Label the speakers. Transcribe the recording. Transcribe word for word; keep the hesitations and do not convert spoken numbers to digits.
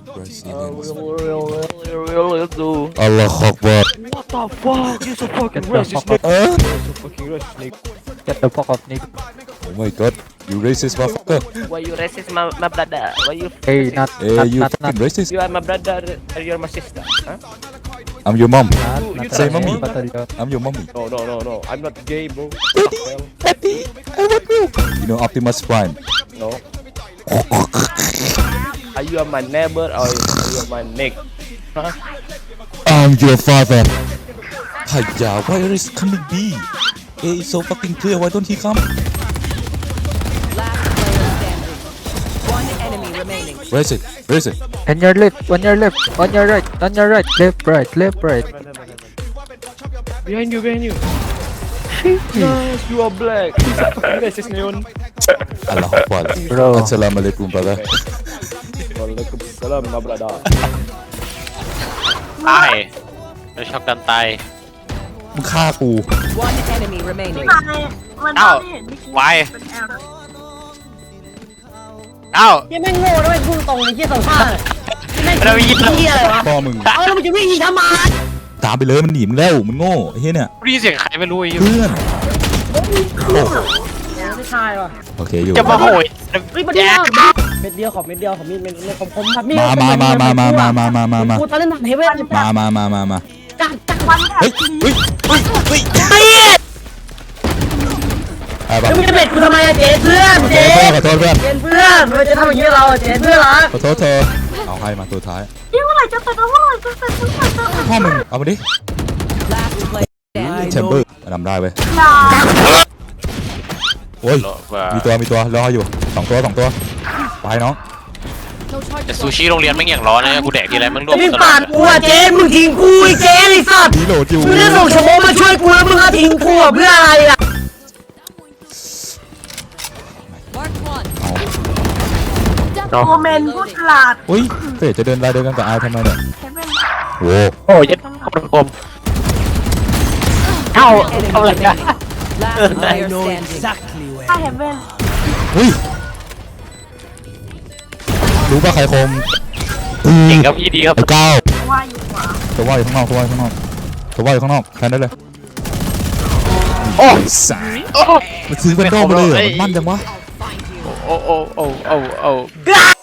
Speaker 1: Allah Akbar.
Speaker 2: What the fuck? You so fucking
Speaker 3: Get the
Speaker 2: racist,
Speaker 3: fuck
Speaker 2: nigga.
Speaker 1: Huh?
Speaker 2: You so fucking racist, nigga.
Speaker 3: Get the fuck off, Nick.
Speaker 1: Oh my god, you racist motherfucker.
Speaker 2: Why you racist, my, my brother? Why you?
Speaker 3: Hey, not,
Speaker 1: Hey,
Speaker 3: not,
Speaker 1: you
Speaker 3: not, not,
Speaker 1: fucking racist.
Speaker 2: You are my brother, and you're my sister. Huh?
Speaker 1: I'm your mom.
Speaker 3: not,
Speaker 2: You- you
Speaker 3: not
Speaker 1: say
Speaker 3: a
Speaker 1: mommy.
Speaker 3: battalion.
Speaker 1: I'm your mommy.
Speaker 2: No, no, no, no. I'm not gay, bro.
Speaker 1: Daddy, I want milk. You know Optimus Prime.
Speaker 2: No. Are you my neighbor or are you my neck? Huh?
Speaker 1: I'm your father. Hiya, where is coming B? A is so fucking clear. Why don't he come?
Speaker 4: Last player standing. One enemy remaining.
Speaker 1: Where is it? Where is it?
Speaker 3: On your left, on your left, on your right, on your right, left, right, left, right.
Speaker 2: Behind you, behind you. Yes, you are black. He's a fucking racist, Neon.
Speaker 1: Allah Akbar.
Speaker 3: Bro.
Speaker 1: Assalamualaikum, brother.
Speaker 2: Waalaikumsalam, my brother.
Speaker 5: ตายไม่ชอบกันตาย
Speaker 1: มึงฆ่ากู
Speaker 4: One enemy remaining.
Speaker 6: มัน
Speaker 5: เอ้า
Speaker 6: ไม่เห็นไม่คิด
Speaker 5: ไว
Speaker 6: เป็นแอลนะ
Speaker 5: เอ้า
Speaker 7: ยังไม่งโง่ด้วยพูดตรงไอ้เหี้ยสองข้างไม่
Speaker 5: เรายิง
Speaker 7: เหี้ยอะไรวะ
Speaker 1: พ่อมึง
Speaker 7: เออแล้วมันจะวิ่งอีกทำไม
Speaker 1: ตามไปเลยมันหนีมึงแล้วมันโง่ไอ้เหี้ยเนี่ย
Speaker 5: ได้ยินเสียงใครไม่รู้ไอ้เหี้ย
Speaker 1: เพื่อนโอ้
Speaker 7: ไม่ใช่ว่ะ
Speaker 1: โอเคอยู่
Speaker 5: จะมาโหย
Speaker 7: เฮ้ยมันเดียวเม็ดเดียวขอเม็ดเดียวขอมีดเม็ดเม็ดคมคมครับมีด
Speaker 1: มามามามามามามามามา
Speaker 7: กูตอนเล่นหนังเฮเว่น
Speaker 1: มามามามามา
Speaker 7: จัดจัด
Speaker 6: วันแถบ
Speaker 1: เฮ้ยเฮ้ยเฮ้ยเฮ้ย
Speaker 7: ไอ้เหี้ย
Speaker 1: ไอ้บ้า
Speaker 7: แล้วมึงจะเบ็ดกูทำไมอะเจ๊เพื่อน
Speaker 1: ขอ
Speaker 7: เจ๊
Speaker 1: โทษเพื่อน
Speaker 7: เจ๊เพื่อนมันจะทำอย่างนี้เราอะเจ๊เพื่อนรัก
Speaker 1: ขอโทษเธอเอาให้มาตัวท้าย
Speaker 6: นี่เมื่อไหร่จะเสร็จแล้วเมื่อไหร่จะเสร็จเมื่อไหร่จะเสร็จ
Speaker 1: พ่อมึงเอามาดิ
Speaker 4: Last player standing.
Speaker 1: แชมเบอร์นำได้เว้ย
Speaker 6: อย่า
Speaker 1: โอ้ย
Speaker 5: ว่า
Speaker 1: มีตัวมีตัวรออยู่สองตัวสองตัวไปน้อง
Speaker 5: แต่ซูชิโรงเรียนไม่งอย่างร้อนนะกูแดกทีไรมันรวม
Speaker 7: มึง
Speaker 5: ตลอ
Speaker 7: ปา
Speaker 5: ด
Speaker 7: ดกูอะเจ๊มึงทิ้งกูไอ้เจ๊ไอ้สัตว์
Speaker 1: มีโหลดอยู่
Speaker 7: มึงได้ส่งชั่วโมงมาช่วยกูแล้วมึงก็ทิ้งกูอะเพื่ออะไรอะ
Speaker 4: Mark one.
Speaker 1: เอา
Speaker 6: โมเมนต์พูดฉลาด
Speaker 1: อุ้ยเฟยจะเดินไล่เดินกันกับไอทำไมเนี่ย
Speaker 6: เฮเว่น
Speaker 1: โว้
Speaker 5: โอ้ยยัดคนกลมเอ้าเอาอะไรกัน
Speaker 4: Last player standing.
Speaker 6: ถ้าเฮเว่น
Speaker 1: อุ้ยรู้ป่ะใครคม
Speaker 5: เก่งครับพี่ดีครับ
Speaker 1: ไอ้ก้าว
Speaker 6: ว่าอยู่ขวา
Speaker 1: ตัวว่าอยู่ข้างนอกตัวว่าอยู่ข้างนอกตัวว่าอยู่ข้างนอกแทนได้เลยโอ้สาย
Speaker 5: โอ้
Speaker 1: มันซื้อเป็นด้อมเลยเหรอมันมั่นจังวะ
Speaker 5: โอ้โอ้โอ้โอ้โอ้